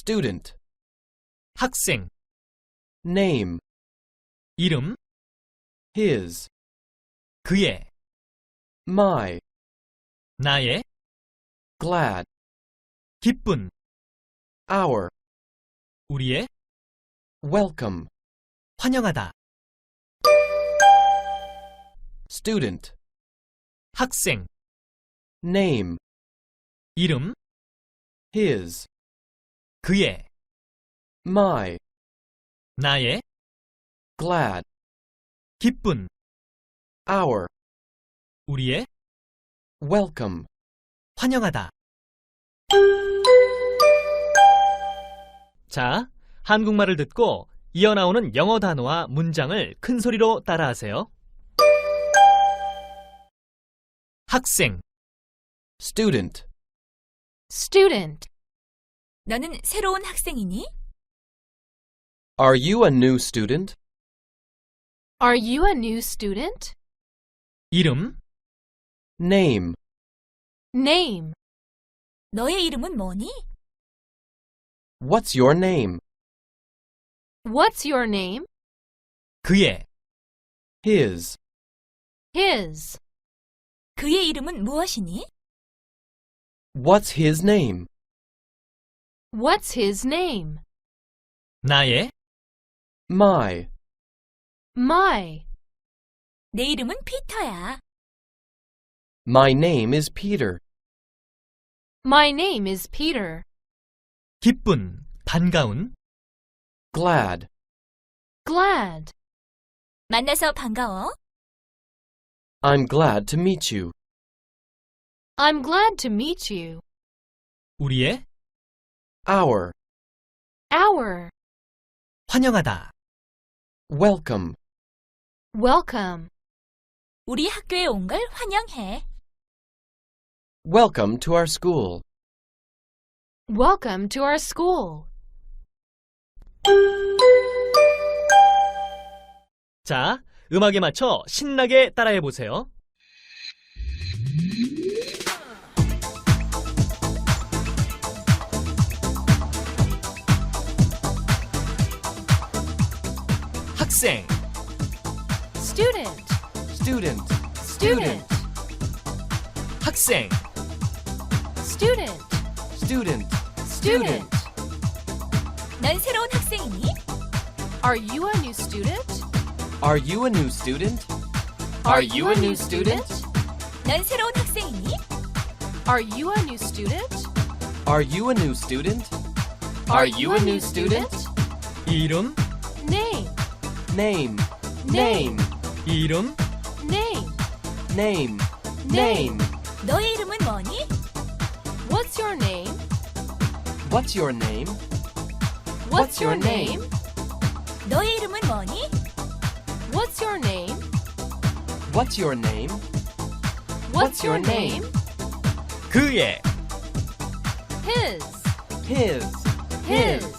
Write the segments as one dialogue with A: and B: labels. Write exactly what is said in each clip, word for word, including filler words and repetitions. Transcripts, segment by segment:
A: student,
B: 학생,
A: name,
B: 이름,
A: his,
B: 그의,
A: my,
B: 나의,
A: glad,
B: 기쁜,
A: our,
B: 우리의,
A: welcome,
B: 환영하다.
A: student,
B: 학생,
A: name,
B: 이름,
A: his,
B: 그의,
A: my,
B: 나의,
A: glad,
B: 기쁜,
A: our,
B: 우리의,
A: welcome.
B: 환영하다. 자, 한국말을 듣고 이어나오는 영어 단어와 문장을 큰 소리로 따라하세요. 학생,
A: student,
C: Student.
D: 너는 새로운 학생이니?
A: are you a new student?
C: Are you a new student?
B: 이름,
A: Name,
C: Name.
D: 너의 이름은 뭐니?
A: what's your name?
C: What's your name?
B: 그의,
A: His,
C: His.
D: 그의 이름은 무엇이니?
A: what's his name?
C: What's his name?
B: 나의,
A: My,
C: My.
D: 내 이름은 피터야.
A: my name is Peter.
C: My name is Peter.
B: 기쁜, 반가운,
A: Glad,
C: Glad.
D: 만나서 반가워.
A: I'm glad to meet you.
C: I'm glad to meet you.
B: 우리의,
A: Our,
C: Our.
B: 환영하다.
A: welcome.
C: Welcome.
D: 우리 학교에 온 걸 환영해.
A: Welcome to our school.
C: Welcome to our school.
B: 자, 음악에 맞춰 신나게 따라해 보세요. 학생,
C: Student.
A: Student,
C: Student.
B: 학생,
C: Student.
A: student,
C: Student.
D: 넌 새로운 학생이니?
C: Are you a new student?
A: are you a new student?
C: Are you a new student?
D: 넌 새로운 학생이니?
C: Are you a new student?
A: Are you a new student?
C: Are you a new student?
B: 이름,
C: Name.
A: Name,
C: Name.
B: 이름,
C: Name.
A: name,
C: Name.
D: 너의 이름은 뭐니?
C: What's your name?
A: what's your name?
C: What's your name?
D: 너의 이름은 뭐니?
C: What's your name?
A: What's your name?
C: What's your name?
B: 그의,
C: His.
A: His,
C: His.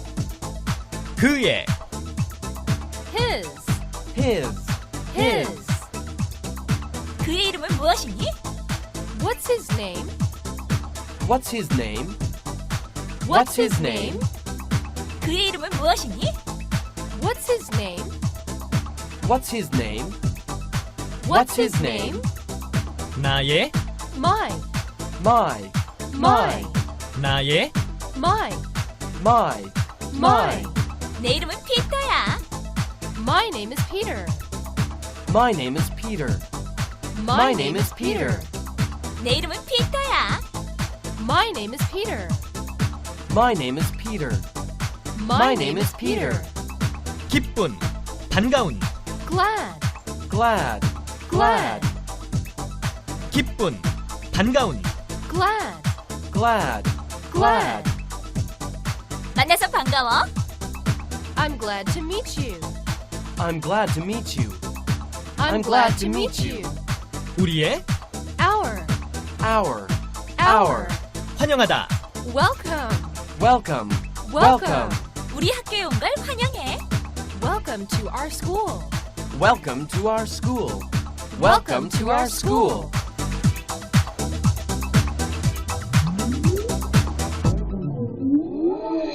B: 그의,
C: His.
A: his,
C: His.
D: 그의 이름은 무엇이니?
C: What's his name?
A: what's his name?
C: What's his name?
D: 그의 이름은 무엇이니?
C: What's his name?
A: What's his name?
C: What's his name?
B: 나의,
C: My.
A: My,
C: My.
B: 나의,
C: My.
A: my,
C: My.
D: 내 이름은 피터야.
C: My name is Peter.
A: my name is Peter.
C: My name is Peter.
D: 내 이름은 피터야.
C: My name is Peter.
A: My name is Peter.
C: My name is Peter.
B: 기쁜, 반가운,
C: Glad.
A: Glad, glad,
B: 기쁜, 반가운,
C: Glad.
A: glad, glad.
D: 만나서 반가워.
C: I'm glad to meet you.
A: I'm glad to meet you.
C: I'm glad to meet you.
B: 우리의,
C: Our.
A: Our,
C: Our.
B: 환영하다.
C: Welcome.
A: welcome,
C: Welcome.
D: 우리 학교에 온 걸 환영해.
C: Welcome to our school.
A: welcome to our school. Welcome to our school.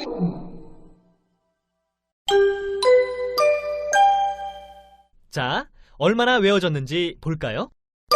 B: 자, 얼마나 외워졌는지 볼까요?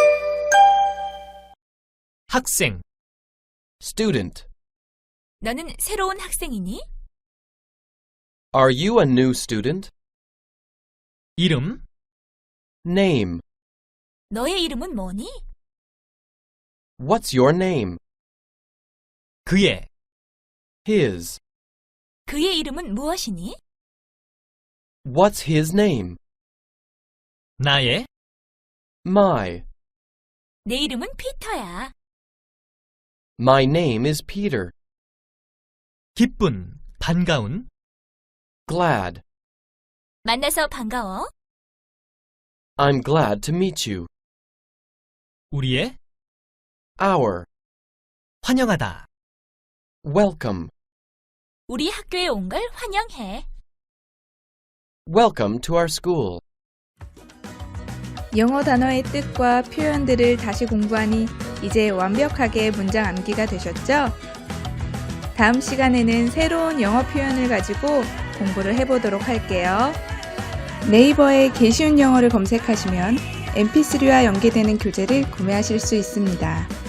B: 학생,
A: Student.
D: 너는 새로운 학생이니?
A: Are you a new student?
B: 이름,
A: Name.
D: 너의 이름은 뭐니?
A: What's your name?
B: 그의,
A: His.
D: 그의 이름은 무엇이니?
A: What's his name?
B: 나의,
A: My.
D: 내 이름은 피터야.
A: My name is Peter.
B: 기쁜, 반가운,
A: Glad.
D: 만나서 반가워.
A: I'm glad to meet you.
B: 우리의,
A: Our.
B: 환영하다.
A: Welcome.
D: 우리 학교에 온 걸 환영해.
A: Welcome to our school.
E: 영어 단어의 뜻과 표현들을 다시 공부하니 이제 완벽하게 문장 암기가 되셨죠? 다음 시간에는 새로운 영어 표현을 가지고 공부를 해보도록 할게요. 네이버에 개쉬운 영어를 검색하시면 엠피쓰리와 연계되는 교재를 구매하실 수 있습니다.